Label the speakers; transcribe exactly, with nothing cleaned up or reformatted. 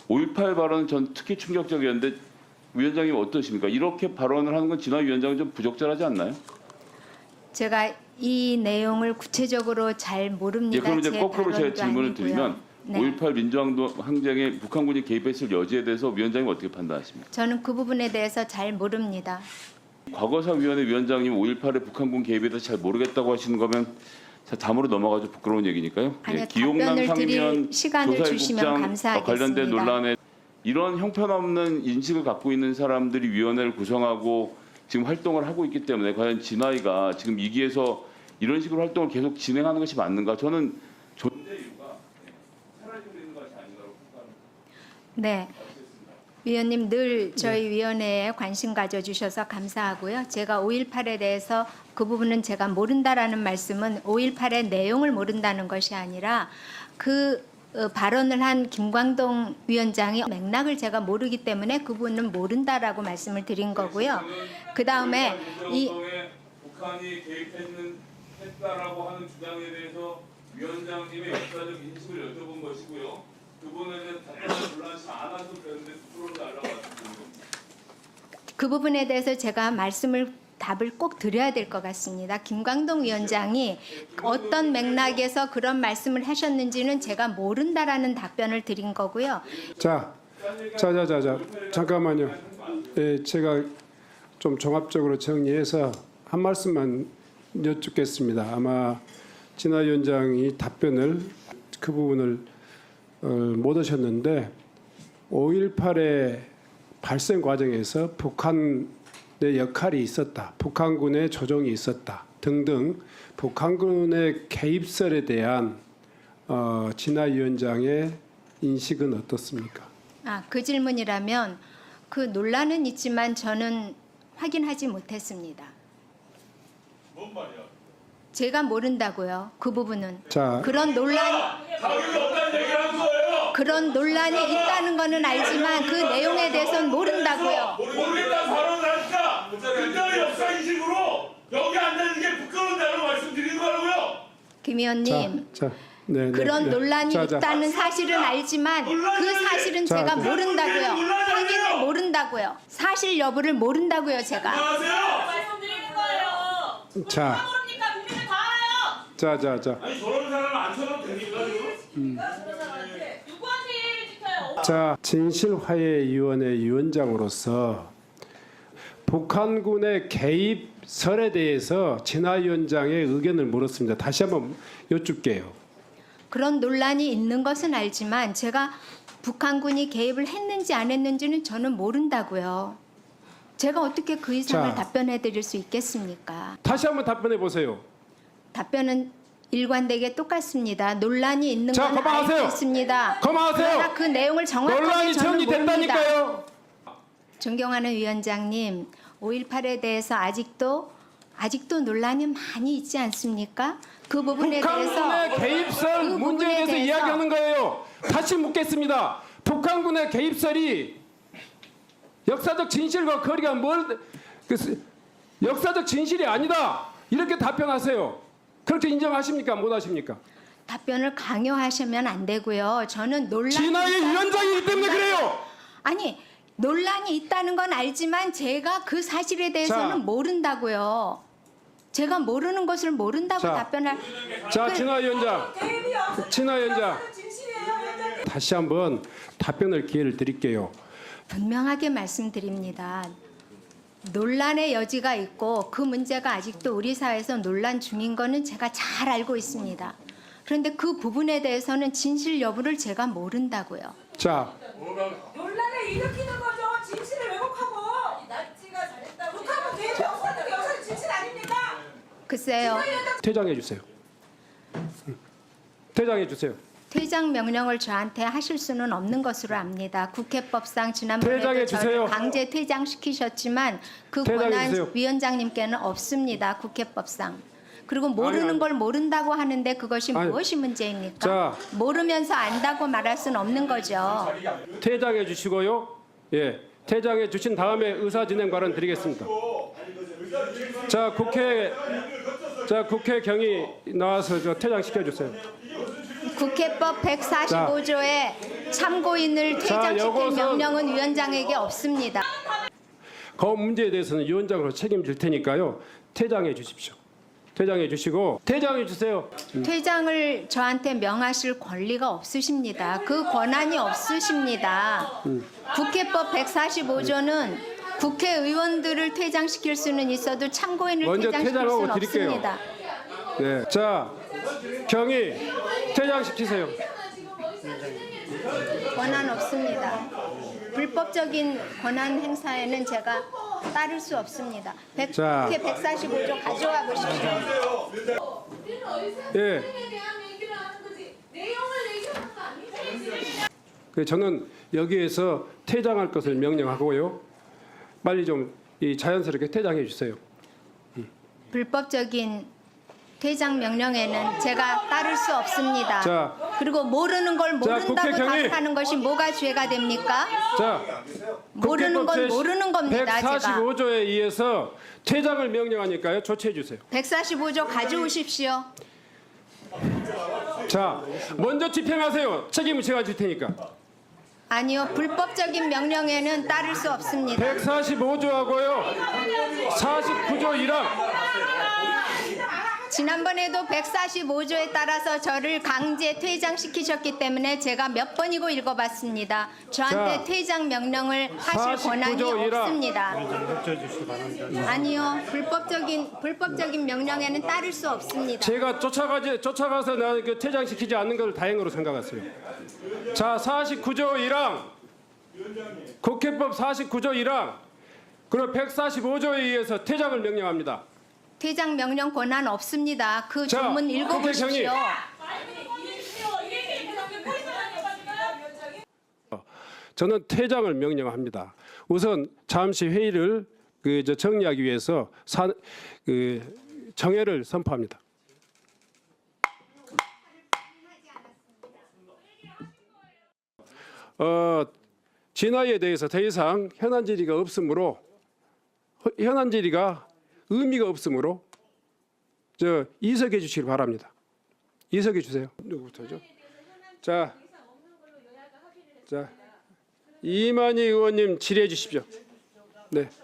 Speaker 1: 오일팔 발언은 전 특히 충격적이었는데 위원장님 어떠십니까? 이렇게 발언을 하는 건 진화 위원장은 좀 부적절하지 않나요?
Speaker 2: 제가 이 내용을 구체적으로 잘 모릅니다.
Speaker 1: 예, 그럼 이제
Speaker 2: 제
Speaker 1: 거꾸로 제가
Speaker 2: 발언도
Speaker 1: 질문을
Speaker 2: 아니고요.
Speaker 1: 드리면
Speaker 2: 네.
Speaker 1: 오일팔 민주항쟁에 북한군이 개입했을 여지에 대해서 위원장님 어떻게 판단하십니까?
Speaker 2: 저는 그 부분에 대해서 잘 모릅니다.
Speaker 1: 과거사위원회 위원장님 오일팔에 북한군 개입에 대해서 잘 모르겠다고 하시는 거면 자, 다음으로 넘어가죠. 부끄러운 얘기니까요.
Speaker 2: 아니요,
Speaker 1: 기용남
Speaker 2: 답변을 드릴
Speaker 1: 상면
Speaker 2: 시간을 주시면
Speaker 1: 조사국장
Speaker 2: 감사하겠습니다.
Speaker 1: 관련된 논란에 이런 형편없는 인식을 갖고 있는 사람들이 위원회를 구성하고 지금 활동을 하고 있기 때문에 과연 진화위가 지금 이 기에서 이런 식으로 활동을 계속 진행하는 것이 맞는가? 저는 존재 이유가 사라지고 있는 것이 아닌가라고 생각합니다.
Speaker 2: 네. 위원님 늘 저희 위원회에 관심 가져주셔서 감사하고요. 제가 오일팔에 대해서 그 부분은 제가 모른다라는 말씀은 오일팔의 내용을 모른다는 것이 아니라 그 어, 발언을 한 김광동 위원장이 맥락을 제가 모르기 때문에 그 부분은 모른다라고 말씀을 드린 거고요. 그 다음에 이
Speaker 1: 북한이 개입했는 했다라고 하는 주장에 대해서 위원장님의 역사적 인식을 여쭤본 것이고요. 그분에 대한 답변을 불란치 않아서 그런데 부끄러움을 달라고 하셨습니다.
Speaker 2: 그 부분에 대해서 제가 말씀을 답을 꼭 드려야 될 것 같습니다. 김광동 위원장이 어떤 맥락에서 그런 말씀을 하셨는지는 제가 모른다라는 답변을 드린 거고요.
Speaker 3: 자, 자자자자 잠깐만요. 예, 제가 좀 종합적으로 정리해서 한 말씀만 여쭙겠습니다. 아마 진화 위원장이 답변을 그 부분을 어, 못 하셨는데 오일팔의 발생 과정에서 북한의 역할이 있었다, 북한군의 조종이 있었다 등등 북한군의 개입설에 대한 어, 진화 위원장의 인식은 어떻습니까?
Speaker 2: 아, 그 질문이라면 그 논란은 있지만 저는 확인하지 못했습니다.
Speaker 1: 뭔 말이야?
Speaker 2: 제가 모른다고요. 그 부분은.
Speaker 3: 자,
Speaker 2: 그런 논란
Speaker 1: 자격이 없다는 얘기를 한 거예요.
Speaker 2: 그런 논란이 있다는 거는 알지만 그 내용에 대해서는 모른다고요.
Speaker 1: 모르겠다는 발언을 하니까 그때의 역사 인식으로 여기 앉는 게 부끄러운다고 말씀드리는 거라고요.
Speaker 2: 김 의원님.
Speaker 3: 자, 자, 네, 네,
Speaker 2: 그런
Speaker 3: 네.
Speaker 2: 논란이
Speaker 3: 자, 자.
Speaker 2: 있다는 사실은 알지만 그 사실은
Speaker 3: 자,
Speaker 2: 제가
Speaker 3: 네.
Speaker 2: 모른다고요. 확인을 모른다고요. 사실 여부를 모른다고요, 제가.
Speaker 1: 안녕하세요.
Speaker 4: 말씀드리는 거예요.
Speaker 3: 자,
Speaker 4: 모릅니까? 국민들 다 알아요.
Speaker 3: 자, 자, 자.
Speaker 1: 아니 저런 사람 안 쳐도 됩니까 지금?
Speaker 4: 누구한테 예의를 지켜요?
Speaker 3: 자, 진실화해위원회 위원장으로서 북한군의 개입설에 대해서 진화 위원장의 의견을 물었습니다. 다시 한번 여쭙게요.
Speaker 2: 그런 논란이 있는 것은 알지만 제가 북한군이 개입을 했는지 안 했는지는 저는 모른다고요. 제가 어떻게 그 이상을
Speaker 3: 자.
Speaker 2: 답변해 드릴 수 있겠습니까?
Speaker 3: 다시 한번 답변해 보세요.
Speaker 2: 답변은 일관되게 똑같습니다. 논란이 있는
Speaker 3: 자,
Speaker 2: 건
Speaker 3: 그만하세요.
Speaker 2: 알고 있습니다.
Speaker 3: 그만하세요.
Speaker 2: 그러나 그 내용을 정확하게
Speaker 3: 논란이
Speaker 2: 저는 모릅니다.
Speaker 3: 정리됐다니까요.
Speaker 2: 존경하는 위원장님, 오일팔에 대해서 아직도 아직도 논란이 많이 있지 않습니까? 그 부분에 대해서
Speaker 3: 북한군의 개입설
Speaker 2: 그
Speaker 3: 문제에
Speaker 2: 부분에
Speaker 3: 대해서
Speaker 2: 대해서
Speaker 3: 이야기하는 거예요. 다시 묻겠습니다. 북한군의 개입설이 역사적 진실과 거리가 멀 그, 역사적 진실이 아니다. 이렇게 답변하세요. 그렇게 인정하십니까? 못하십니까?
Speaker 2: 답변을 강요하시면 안 되고요. 저는 논란이
Speaker 3: 진화의
Speaker 2: 있다는
Speaker 3: 위원장이기 때문에
Speaker 2: 건
Speaker 3: 그래요.
Speaker 2: 아니 논란이 있다는 건 알지만 제가 그 사실에 대해서는
Speaker 3: 자.
Speaker 2: 모른다고요. 제가 모르는 것을 모른다고
Speaker 3: 자.
Speaker 2: 답변할
Speaker 3: 자,
Speaker 2: 그-
Speaker 3: 진화 위원장, 진화 위원장, 다시 한번 답변을 기회를 드릴게요.
Speaker 2: 분명하게 말씀드립니다. 논란의 여지가 있고 그 문제가 아직도 우리 사회에서 논란 중인 거는 제가 잘 알고 있습니다. 그런데 그 부분에 대해서는 진실 여부를 제가 모른다고요.
Speaker 3: 자,
Speaker 4: 논란을 일으키는 거죠. 진실을 왜곡하고. 납치가 잘했다고. 북한은 개입이 없었는 게 역사적 진실 아닙니까?
Speaker 2: 글쎄요.
Speaker 3: 퇴장해 주세요. 응. 퇴장해 주세요.
Speaker 2: 퇴장 명령을 저한테 하실 수는 없는 것으로 압니다. 국회법상 지난번에도
Speaker 3: 퇴장해
Speaker 2: 저를
Speaker 3: 주세요.
Speaker 2: 강제 퇴장시키셨지만 그
Speaker 3: 퇴장해
Speaker 2: 권한
Speaker 3: 주세요.
Speaker 2: 위원장님께는 없습니다. 국회법상. 그리고 모르는
Speaker 3: 아니, 아니.
Speaker 2: 걸 모른다고 하는데 그것이
Speaker 3: 아니,
Speaker 2: 무엇이 문제입니까?
Speaker 3: 자.
Speaker 2: 모르면서 안다고 말할 수는 없는 거죠.
Speaker 3: 퇴장해 주시고요. 예, 퇴장해 주신 다음에 의사 진행 발언 드리겠습니다. 자, 국회 자 국회 경위 나와서 저 퇴장시켜 주세요.
Speaker 2: 국회법 백사십오 조에 참고인을 퇴장시킬
Speaker 3: 요것은-
Speaker 2: 명령은 위원장에게 없습니다.
Speaker 3: 그 문제에 대해서는 위원장으로 책임질 테니까요. 퇴장해 주십시오. 퇴장해 주시고 퇴장해 주세요.
Speaker 2: 퇴장을 저한테 명하실 권리가 없으십니다. 그 권한이 없으십니다. 국회법 백사십오 조는 국회의원들을 퇴장시킬 수는 있어도 참고인을
Speaker 3: 먼저
Speaker 2: 퇴장시킬
Speaker 3: 퇴장하고
Speaker 2: 수는
Speaker 3: 드릴게요.
Speaker 2: 없습니다.
Speaker 3: 네. 자, 경위 퇴장시키세요.
Speaker 2: 권한 없습니다. 불법적인 권한 행사에는 제가 따를 수 없습니다. 백,
Speaker 3: 자.
Speaker 2: 국회 백사십오 조 가져와 보십시오.
Speaker 3: 예. 그 저는 여기에서 퇴장할 것을 명령하고요. 빨리 좀 이 자연스럽게 퇴장해 주세요.
Speaker 2: 불법적인 퇴장 명령에는 제가 따를 수 없습니다.
Speaker 3: 자.
Speaker 2: 그리고 모르는 걸
Speaker 3: 자,
Speaker 2: 모른다고
Speaker 3: 국회 경위.
Speaker 2: 답하는 것이 뭐가 죄가 됩니까?
Speaker 3: 자,
Speaker 2: 모르는 건 모르는 겁니다. 제가
Speaker 3: 백사십오 조에 의해서 퇴장을 명령하니까요. 조치해 주세요.
Speaker 2: 백사십오 조 가져오십시오.
Speaker 3: 자, 먼저 집행하세요. 책임을 제가 질 테니까.
Speaker 2: 아니요, 불법적인 명령에는 따를 수 없습니다.
Speaker 3: 백사십오 조하고요. 사십구 조 일 항.
Speaker 2: 지난번에도 백사십오 조에 따라서 저를 강제 퇴장시키셨기 때문에 제가 몇 번이고 읽어봤습니다. 저한테
Speaker 3: 자,
Speaker 2: 퇴장 명령을 하실
Speaker 3: 사십구
Speaker 2: 권한이
Speaker 3: 조 일 항.
Speaker 2: 없습니다. 아니요, 불법적인 불법적인 명령에는 따를 수 없습니다.
Speaker 3: 제가 쫓아가지 쫓아가서 나 그 퇴장시키지 않는 걸 다행으로 생각했어요. 자, 사십구 조 일 항. 국회법 사십구 조 일 항. 그리고 백사십오 조에 의해서 퇴장을 명령합니다.
Speaker 2: 퇴장 명령 권한 없습니다. 그
Speaker 3: 자,
Speaker 2: 조문
Speaker 3: 국회
Speaker 2: 읽어보십시오.
Speaker 3: 저는 퇴장을 명령합니다. 우선 잠시 회의를 그 저 정리하기 위해서 사, 그 정회를 선포합니다. 어, 진화에 대해서 더 이상 현안 질의가 없으므로 허- 현안 질의가 의미가 없으므로 저 이석해 주시기 바랍니다. 이석해 주세요. 누구부터죠? 자, 자 이만희 의원님 질의해 주십시오. 네.